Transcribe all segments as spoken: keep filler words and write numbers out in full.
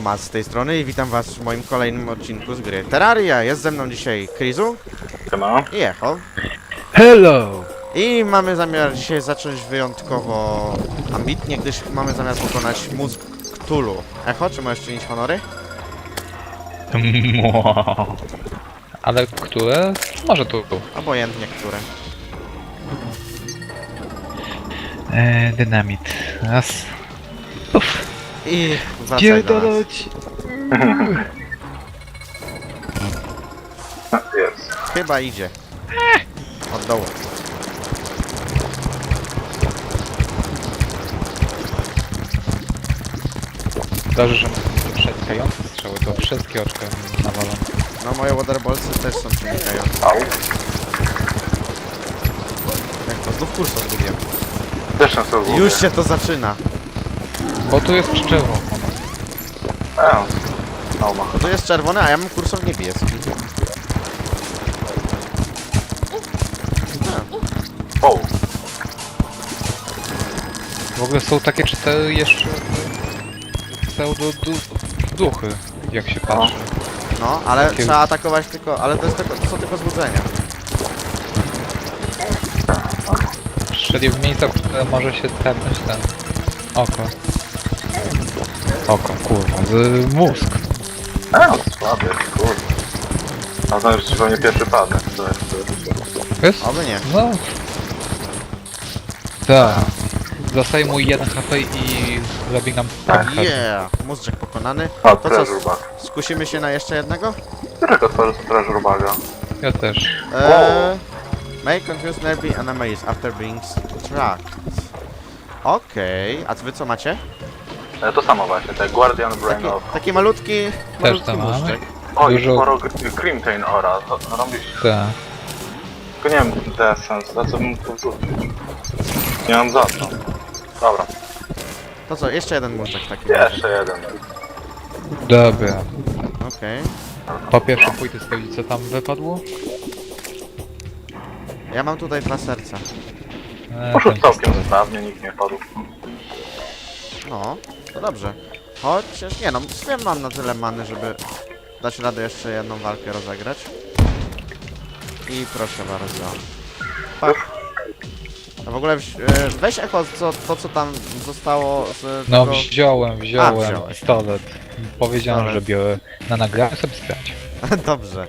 Maz z tej strony i witam was w moim kolejnym odcinku z gry Terraria. Jest ze mną dzisiaj Krizu Siema. i Echo. Hello! I mamy zamiar dzisiaj zacząć wyjątkowo ambitnie, gdyż mamy zamiar pokonać mózg Cthulhu. Echo, czy możesz czynić honory? Ale które? Może tu. Obojętnie, które. Eee, dynamit. Raz. Uff. I wracaj do nas. Pierdolać. Jest. Chyba idzie. Od dołu. Dobrze, że mam przenikające strzały, to wszystkie oczka nawalą. No moje waterballsy też są przenikające. Au. Jak to znów kursor zgubiłem. Też na sobie Już się to zaczyna. Bo tu jest przyczeło. E, no ma. Tu jest czerwony, a ja mam kursor niebieski. O, W ogóle są takie cztery jeszcze pseudo du duchy, jak się patrzy. No, ale Takie- trzeba atakować tylko, ale to, jest tylko, to są tylko złudzenia. Czyli w miejscach, w które może się tepnąć ten oko. Oko, kurwa, z mózg. e, słaby, kurde. A znam, że ci pewnie pierwszy padnę. To jest, to jest. Jest? Oby nie. No. Tak. Zostaje mu jeden H P i robi nam pęcherz. Yeah! Mózg pokonany. A, To co, treasure bag. skusimy się na jeszcze jednego? Którego tworzy to treasure baga? Ja też. Eee, may confuse nearby enemies after being struck. Okej, a wy co macie? E, to samo właśnie, te Guardian Brain Taki, of... taki malutki, malutki to mamy. mózczek. O, i dużo- sporo Crimtain Ora. To, to robisz... Tak. Tylko nie wiem, The Essence, za co bym to wrzucić. Nie mam za co. Dobra, To co, jeszcze jeden mózczek w takim razie. jeszcze jeden. Dobra. Okej. Po pierwsze pójdę sprawdzić, co tam wypadło. Ja mam tutaj dwa serca. Eee, Poszedł ten całkiem pistolet. sprawnie, nikt nie padł. No, to dobrze. Chociaż, nie no, wiem, mam na tyle many, żeby dać radę jeszcze jedną walkę rozegrać. I proszę bardzo. Tak. A w ogóle wś- e, weź Echo, co, to co tam zostało z No tego... wziąłem, wziąłem wziąłeś. pistolet. Powiedziałem, Dobra. że biorę. Na nagraniu sobie sprawdź. Dobrze.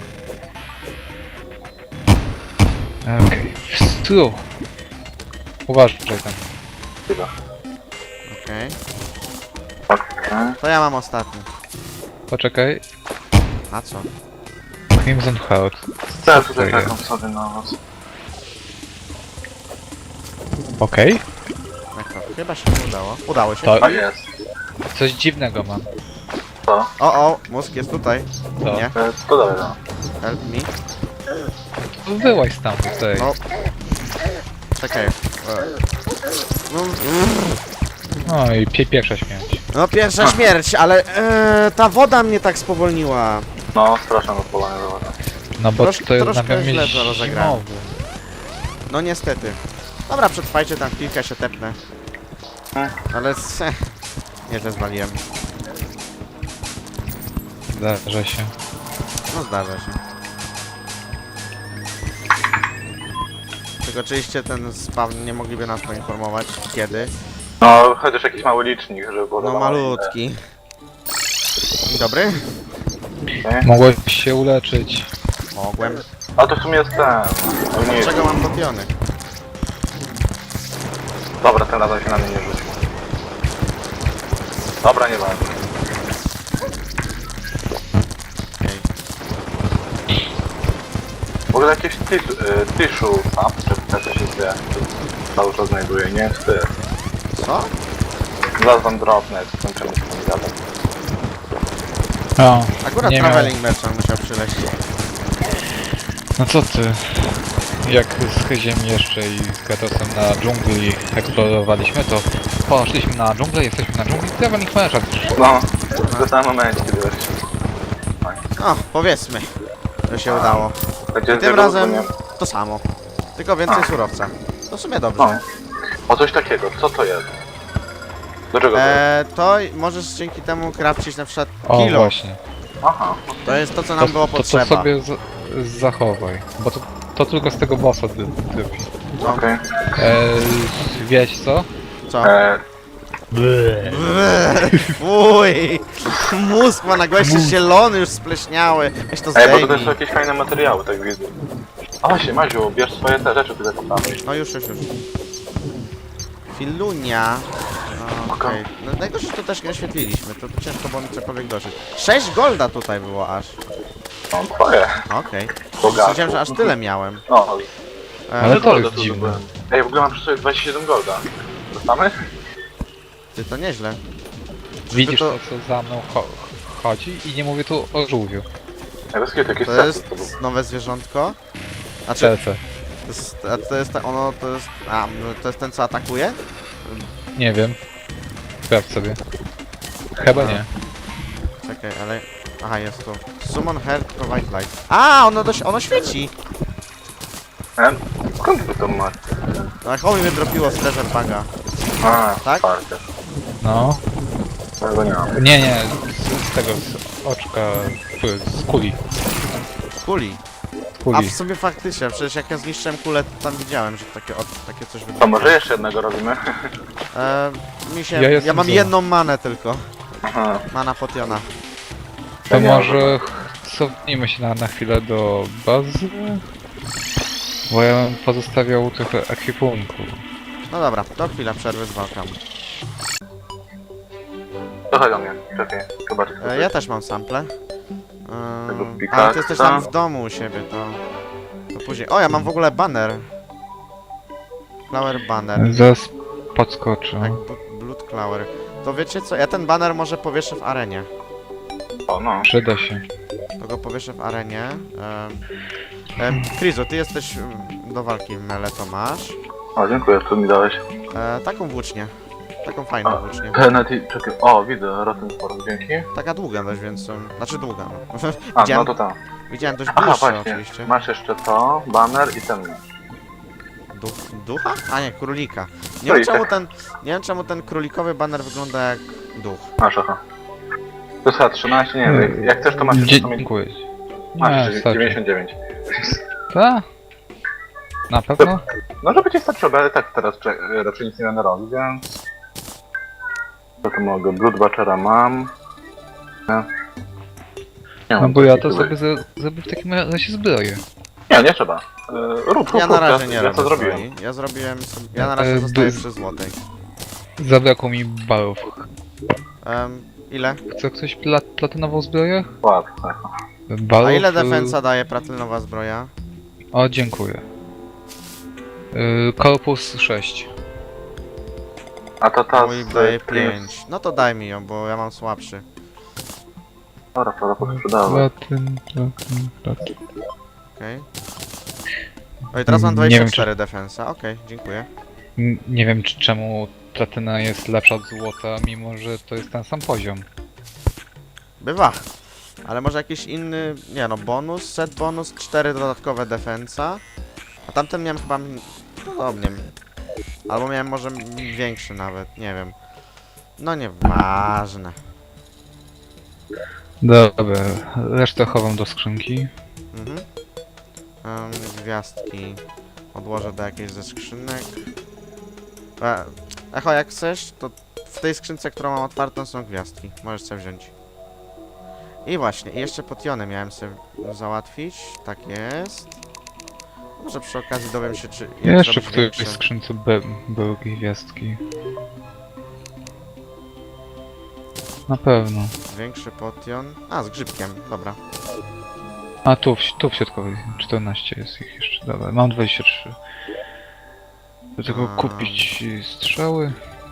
Okej. Okay. Uważaj tam. Chwila. Okej. Okej. To ja mam ostatni. Poczekaj. A co? Crimson Heart. Chcę Co tutaj to taką jest? sobie na was. Okej. Echo. Chyba się nie udało. Udało się. To- A jest. Coś dziwnego mam. Co? O, o, mózg jest tutaj. To. Nie? E, to dalej, no. Help me. Wyłaź stamtąd tutaj. O. Czekaj. E. No, No i pie pierwsza śmierć. no pierwsza śmierć, ale e, ta woda mnie tak spowolniła. No, straszne odpalanie do woda. No bo Trosz- to jest troszkę na źle pewno to rozegrałem. zimowy. No niestety. Dobra, przetrwajcie, tam chwilkę się tepnę. Hmm. Ale se, nieźle zwaliłem. Zdarza się. No zdarza się. Tylko oczywiście ten spawn nie mogliby nas poinformować kiedy. No, chociaż jakiś mały licznik, żeby było No wiadomo, malutki. Dzień dobry. ile. Okay. Mogłeś się uleczyć. Mogłem. A to w sumie jest ten... No nie, Czego mam dopiony? dobra, ten razem się na mnie nie rzucił. Dobra, nie ważne. Okej. W ogóle jakieś tis- y, tissue tam, czy to się wie, cały czas znajduje, nie? Ty. Co? Zaraz wam drobne, jak skończymy z tym gadem. O, Akurat nie miał. traveling merchant musiał przyleść. No co ty? Jak z Hyziem jeszcze i z Gatosem na dżungli eksplorowaliśmy, to poszliśmy na dżunglę, jesteśmy na dżungli, traveling merchant. No, w tym samym momencie, wiesz. No, powiedzmy, że się udało. Będzie I tym razem to samo. Tylko więcej surowca. To w sumie dobrze. No. O coś takiego, co to jest? Do czego to jest? E, to możesz dzięki temu crafcić na przykład O, kilo. właśnie. Aha. To jest to, co nam było to, to, potrzeba. to sobie z, zachowaj, bo to, to tylko z tego bossa dy- dypi. Co? Okej. E, wiesz co? Co? E, Fuj! Mózg ma na goście zielony, już spleśniały. Weź to Ej, bo to też zdejmij. są jakieś fajne materiały, tak widzę. O, się, Maziu, bierz swoje te rzeczy tutaj po prawej. No już, już, już. Filunia. Okej. No najgorsze, że to też nie oświetliliśmy, to ciężko było mi cokolwiek dożyć. sześć golda tutaj było aż. No, twoje. Okej. Bogato. Sądziłem, że aż tyle miałem. No, E, Ale to golda jest tu dziwne. zdobyłem. Ej, w ogóle mam przy sobie dwadzieścia siedem golda. Dostamy? Ty, to nieźle. Widzisz to- to, co za mną cho chodzi? I nie mówię tu o żółwiu. Ej, bez kitu, jakieś To sesy jest to był. nowe zwierzątko. Znaczy, C C. to jest, a to jest ta- ono, to jest, a, no, to jest ten, co atakuje? Nie wiem. Sprawdź sobie. Chyba nie. Czekaj, ale, aha, jest tu. Summon Heart Provide Light. A, ono, dość, ono świeci! E, skąd wy to macie? No, jak mi wydropiło z Treasure Baga. A, Tak? Parker. No. Tego nie mam. Nie, nie. Z, z tego, z oczka. tu, Z kuli. Kuli. Z A kuli. w sumie faktycznie, przecież jak ja zniszczyłem kulę, to tam widziałem, że takie, o, takie coś To wydropiło. może jeszcze jednego robimy? E, mi się, Ja ja, jestem mam za. jedną manę tylko. Aha. Mana potiona. To Ja nie mam może cofnijmy się na, na chwilę do bazy. Bo ja bym pozostawiał trochę ekwipunku. No dobra, to chwila przerwy z walką. Trochę do mnie, czekaj, zobacz. E, ja też mam sample. Tego Ehm, pikaksa. ale ty jesteś tam w domu u siebie, to... To później... O, ja mam w ogóle banner. Flower banner. Zaraz podskoczę. Tak, bu- blood flower. To wiecie co, ja ten banner może powieszę w arenie. O, no. Przyda się. To go powieszę w arenie. Ehm, em, Krizu, ty jesteś mm, do walki w mele, to masz. O, dziękuję, co mi dałeś. E, taką włócznię. Taką fajną A, włócznię. Penalty, czekaj, o, widzę, Rotten Force, dzięki. Taka długa dość, więc... um, Znaczy długa, no. A, widziałem, no to tam. widziałem dość Aha, dłuższe właśnie, oczywiście. masz jeszcze to, banner i ten. Duch, ducha? A nie, królika. Nie wiem, Królika. czemu ten, nie wiem czemu ten królikowy banner wygląda jak duch. Masz, aha. To jest chyba trzynaście, nie wiem, jak chcesz to masz jeszcze Dzie- to mi... Dziękuję. Masz Nie, jeszcze starczy. dziewięćdziesiąt dziewięć. Ta? Na pewno? No żeby ci starczyło, ale tak teraz cze- raczej nic nie będę robił, więc... Co to mogę? Blood Butchera mam. Nie. Nie No mam bo ja to takiego- sobie za- zrobię w takim razie zbroję. Nie, nie trzeba. Yy, rób, rób, Ja na rób, razie ja, nie ja robię to zrobiłem. swojej. Ja zrobiłem sobie, ja na razie E, zostaję by- przy złotej. Zabrakło mi balów. Um, ile? Chce ktoś pla platynową zbroję? Łatwe. Balów? A ile y, defensa daje platynowa zbroja? O, dziękuję. Yy, Korpus sześć. A to ta Mój z... daje Prince. pięć. No to daj mi ją, bo ja mam słabszy. Dobra, to posprzedałem. Platyn, platyn, platyn. Okej. Okay. teraz mam Nie dwadzieścia wiem, cztery defensa. Okej, dziękuję. N- Nie wiem czy, czemu platyna jest lepsza od złota, mimo że to jest ten sam poziom. Bywa. Ale może jakiś inny, nie no, bonus, set bonus, cztery dodatkowe defensa. A tamten miałem chyba m- podobnie. Albo miałem może m- większy nawet, nie wiem. No nieważne. Dobra, resztę chowam do skrzynki. Mhm. Um, gwiazdki odłożę do jakiejś ze skrzynek. E, Echo, jak chcesz, to w tej skrzynce, którą mam otwartą, są gwiazdki. Możesz sobie wziąć. I właśnie, i jeszcze potiony miałem sobie załatwić. Tak jest. Może przy okazji dowiem się, czy... jak Jeszcze w zrobić którejś większy. skrzynce by, były gwiazdki. Na pewno. Większy potion. A, z grzybkiem, dobra. A tu, w, tu w środkowej czternaście jest ich jeszcze. Dobra, mam dwadzieścia trzy. Do tego A. kupić strzały.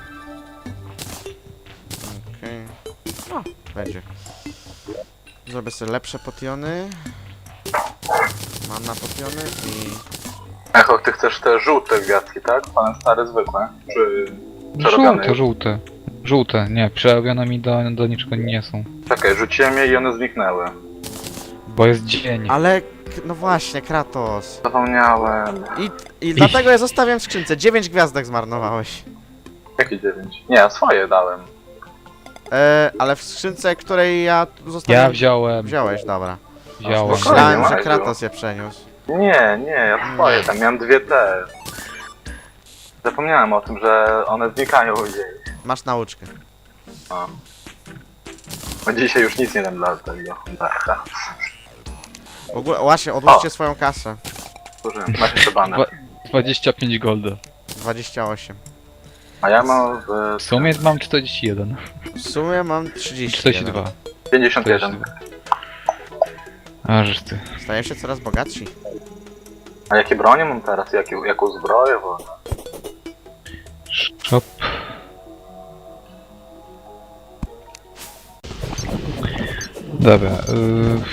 Okej. No, będzie. Zrobię sobie lepsze potiony. Mam na potiony i... Echo, ty chcesz te żółte gwiazdki, tak? Pan stary zwykłe? Czy... Przerobione Żółte, już? żółte. Żółte, nie, przerobione mi do, do niczego nie są. Czekaj, rzuciłem je i one zniknęły. Bo jest dzień. Ale, k- no właśnie, Kratos. Zapomniałem. I, i dlatego je zostawiam w skrzynce. dziewięć gwiazdek zmarnowałeś. Jakie dziewięć? Nie, ja swoje dałem. E, ale w skrzynce, której ja tu zostawiłem... Ja wziąłem, Wziąłeś, dobra. wziąłem. spokojnie. Myślałem, że Maciu. Kratos je przeniósł. Nie, nie, ja swoje, tam miałem dwie te. Zapomniałem o tym, że one znikają gdzieś. Masz nauczkę. No. Bo dzisiaj już nic nie dam dla tego. Darka. W ogóle, właśnie, odłóżcie swoją kasę. Słuchaj, masz jeszcze banę. Dwa- dwadzieścia pięć golda. dwadzieścia osiem. A ja mam w W sumie mam czterdzieści jeden. W sumie mam trzydzieści. czterdzieści dwa. pięćdziesiąt jeden. Aż ty. Staję się coraz bogatsi. A jakie bronie mam teraz? Jakie, jaką zbroję? Bo... Shop. Dobra. Yy...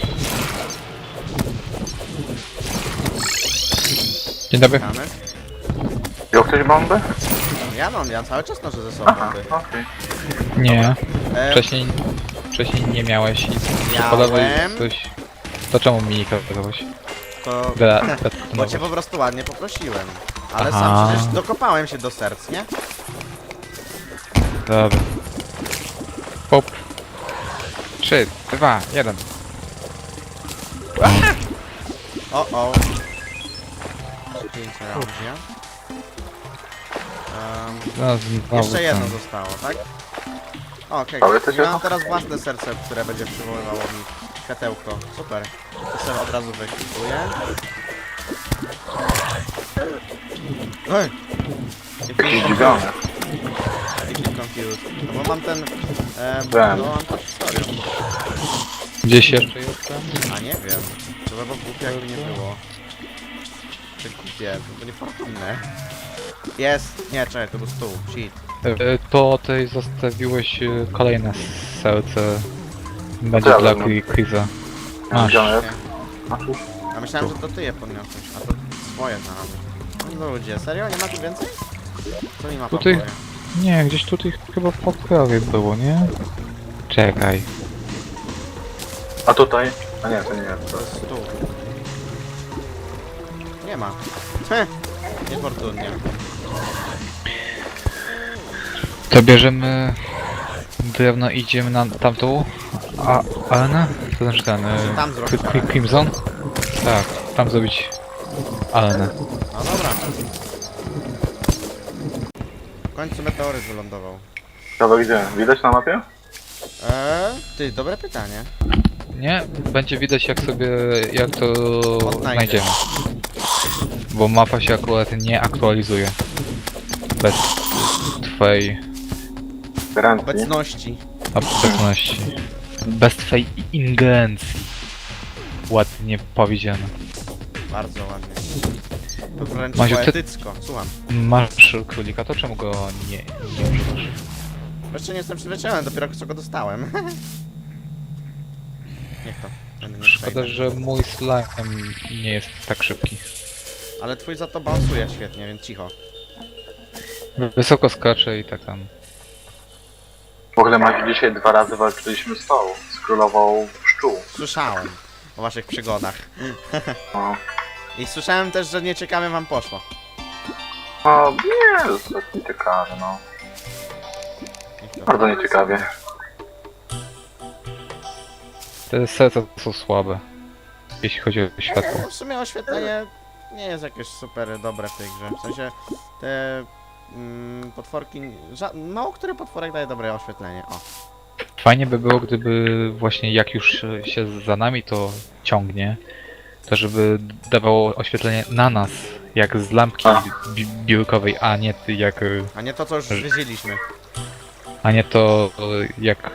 Dzień dobry. Mamy? Wziął ktoś bombę? Ja mam, ja cały czas noszę ze sobą Aha, bomby. okej. Nie. E, Wcześniej, wcześniej nie miałeś i Miałem. podawaj coś. To czemu mi nie kazałeś? to... Gra- Bo cię detonować. po prostu ładnie poprosiłem. Ale Aha. sam przecież dokopałem się do serc, nie? Dobra. Pop. Trzy, dwa, jeden. O, o. Pięć razy. Um, No, znowu jeszcze jedno ten. zostało, tak? O, Okej, Ale to okay. się- mam teraz własne serce, które będzie przywoływało mi światełko. Super. To sobie od razu wyklipuję. Ej! Jakiś zdziwiony. Jakiś confused. No bo mam ten... E, Wiem. no mam to historię. Gdzieś jeszcze jestem? A nie wiem. To by było głupie jakby nie było. Czy głupie, to było niefortunne. Jest! Nie, czekaj, to był stół. Shit. E, To ty zostawiłeś e, kolejne serce. Będzie Ja dla wezmę. Kri- Kriza. Masz. Masz. Gdzie jest? Nie. Masz już? A myślałem, że to ty je podniosłeś, a to swoje znalazłeś. No ludzie, serio? Nie ma tu więcej? Co mi ma Tutaj- pokoje? Nie, gdzieś tutaj chyba w poprawie było, nie? Czekaj. A tutaj? A nie, to nie jest. To jest stół. Nie ma. Heh, niefortunnie. To bierzemy drewno i idziemy na tamtą a, arenę? To znaczy ten... e, Tam zrobić Cri- arenę. Crimson? Tak, tam zrobić arenę. No dobra. W końcu meteoryt wylądował. Ciekawe gdzie? Widać na mapie? Eee, ty, dobre pytanie. Nie, będzie widać jak sobie, jak to Odnajdę. znajdziemy. Bo mapa się akurat nie aktualizuje. Bez twojej Gwarancji. Obecności. obecności. Bez twojej ingerencji. Ładnie powiedziane. Bardzo ładnie. To wręcz Maziu, ty- poetycko. Słucham. Masz królika, to czemu go nie, nie używasz? Jeszcze nie jestem przyzwyczajony, dopiero co go dostałem. Niech to. Będę nie Szkoda, przejdę. że mój slime nie jest tak szybki. Ale twój za to balansuje świetnie, więc cicho. Wysoko skacze i tak tam. W ogóle Maciu, dzisiaj dwa razy walczyliśmy z tą, z królową pszczół. Słyszałem o waszych przygodach. No, I słyszałem też, że nieciekawie wam poszło. no nie, to jest nieciekawe, no. Niech to- Bardzo nieciekawie. Te serca są słabe. Jeśli chodzi o światło. No, w sumie oświetlenie nie jest jakieś super dobre w tej grze. W sensie te mm, potworki. Ża- mało który potworek daje dobre oświetlenie. O. Fajnie by było, gdyby właśnie jak już się za nami to ciągnie, to żeby dawało oświetlenie na nas, jak z lampki A. bi biurkowej, a nie ty jak... y, A nie to, co już zwiedziliśmy. a nie to y, jak...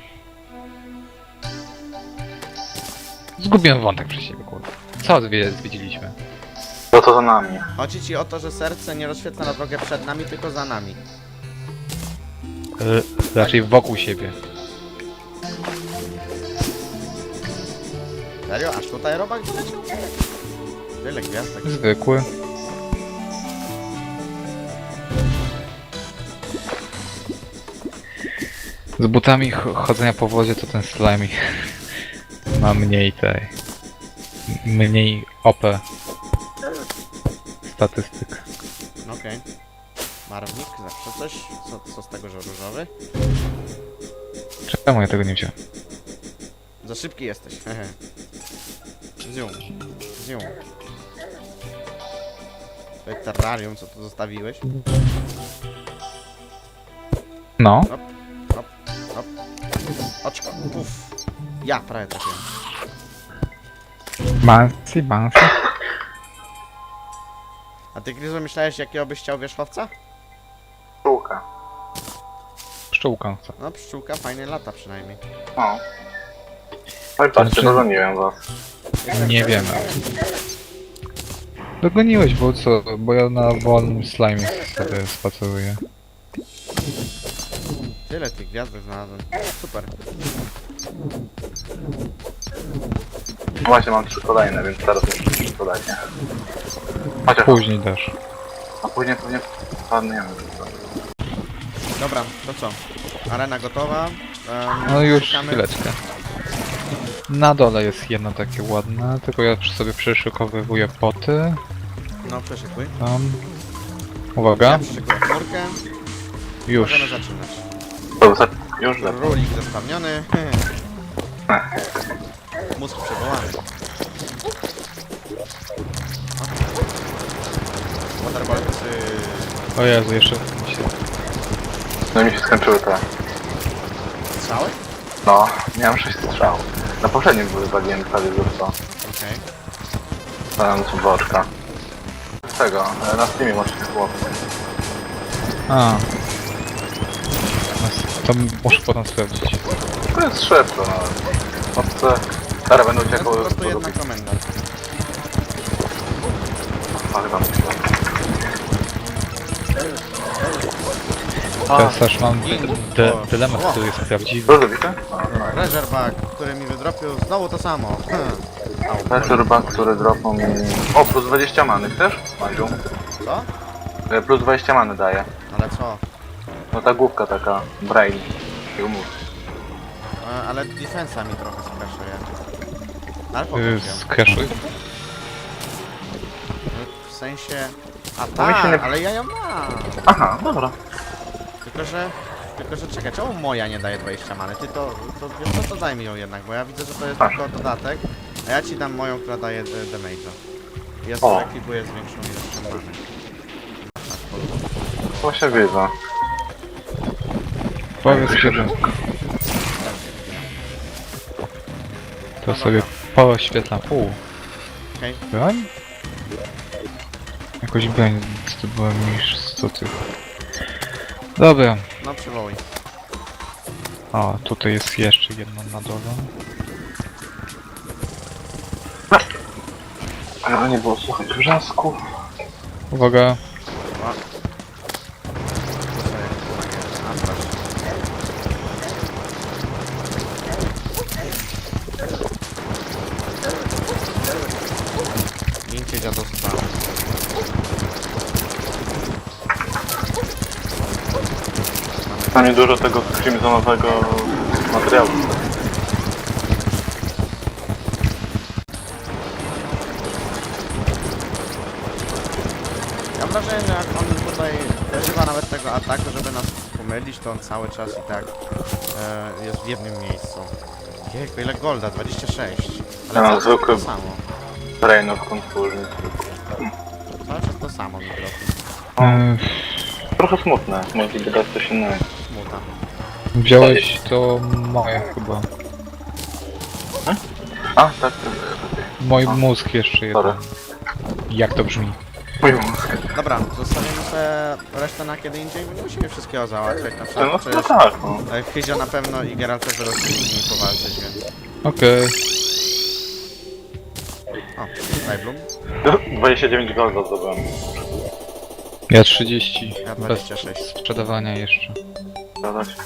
Zgubiłem wątek przez siebie, kurde. Co zwie- zwiedziliśmy? To co za nami? Chodzi ci o to, że serce nie rozświetla na drogę przed nami, tylko za nami. Y, raczej wokół siebie. Serio? Aż tutaj robak doleciał? Wiele gwiazdek. Zwykły. Z butami ch- chodzenia po wodzie to ten slimy ma mniej tej... mniej O P statystyk. No okej. Barwnik, zawsze coś. Co, co z tego, że różowy? Czemu ja tego nie wziąłem? Za szybki jesteś, hehe. Zium. Zium. Twoje terrarium, co tu zostawiłeś? No. Hop. Oczko, puf. Ja prawie trafiłem. Bouncy, bouncy. A ty, Grizu, myślałeś, jakiego byś chciał wierzchowca? Pszczółka. Pszczółka chcę. No, pszczółka fajnie lata przynajmniej. No. Oj, patrzcie, Znaczy- dogoniłem was. Nie wiem. Dogoniłeś, bo co? Bo ja na wolnym slime sobie spaceruję. Tyle tych gwiazdek znalazłem. Super. Właśnie mam trzy kolejne, więc teraz muszę trzy kolejne. Chociaż, Później też. a później pewnie padnie, nie wiem. co. Dobra, to co? Arena gotowa. Um, No już szukamy- chwileczkę. Na dole jest jedno takie ładne, tylko ja przy sobie przeszykowywuję poty. No, przeszykuj. Tam. Ja Uwaga. przeszykuję chmurkę. Już. Możemy zaczynać. Dobrze, już lepiej. Rulik zespawniony. Mózg przywołany. Waterbolcy. O Jezu, jeszcze mi się... No mi się skończyły te. Strzały? No, miałem sześć strzał. Na poprzednim wywaliłem prawie zresztą. Okej. Dałem ci boczka. Z tego, e, na Steamie możecie chłopcy. A. To muszę potem sprawdzić. To jest szybko, no. Obce. Teraz będą To jest po uciekały prostu do jedna lubi. komenda. Ale tam. Teraz też mam de O, dylemat, o. który jest prawdziwy. Dużo bite? Razorback, który mi wydropił, znowu to samo. Hmm. Au. Ten ryba, który dropnął mi... O, plus dwadzieścia many, chcesz? Madziu? Co? E, Plus dwadzieścia many daje. Ale co? No ta główka taka, brain. I umów. E, ale defensa mi trochę skraszuje. Ale Y, pokaż ją. Skraszuj. W sensie... A No mi się tak, nie- ale ja ją mam. Aha, dobra. Tylko, że... Tylko, że czekaj, czemu moja nie daje dwadzieścia many? Ty to... to wiesz co, to daj mi ją jednak, bo ja widzę, że to jest Tak. tylko dodatek. A ja ci dam moją, która daje e, damage'a. Ja O. sobie ekwipuję z większą ilością many. Właśnie widzę. Powiedz kiedy. To sobie poświetlam. U, Okej. broń? Jakoś broń zdobyłem niż sto tych. Dobra. No przywołuj. O, tutaj jest jeszcze jedno na dole. Ale nie było słuchać wrzasków. Uwaga. O. To sobie A, proszę. Gincie dziadostwa. Na nie dużo tego crimsonowego materiału. Ja mam wrażenie, że jak on tutaj używa nawet tego ataku, żeby nas pomylić, to on cały czas i tak e, jest w jednym miejscu. Jejku, ile golda? dwadzieścia sześć. Ale Ja mam cały czas zwykły- to samo. Brain of Confusion. Cały czas to samo mi dropi. E, Trochę smutne, mogliby dać coś innego. Smuta. wziąłeś to moje chyba. A, tak, Mój A. mózg jeszcze jeden. sorry. Jak to brzmi? Mój mózg. Dobra, zostawimy sobie resztę na kiedy indziej, bo nie musimy wszystkiego załatwiać. Na No, przykład no przecież tak, no. e, Hyzio na pewno i Geralt też będą z nimi powalczyć, więc... Okej. O, Skybloom. dwadzieścia dziewięć golda zdobyłem. Ja trzydzieści. Ja Bez dwadzieścia sześć. sprzedawania jeszcze. Zgadza się.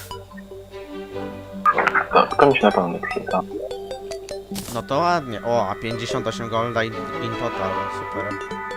To, to mi się na pewno nie przyda. No to ładnie. O, a pięćdziesiąt osiem golda i in total. Super.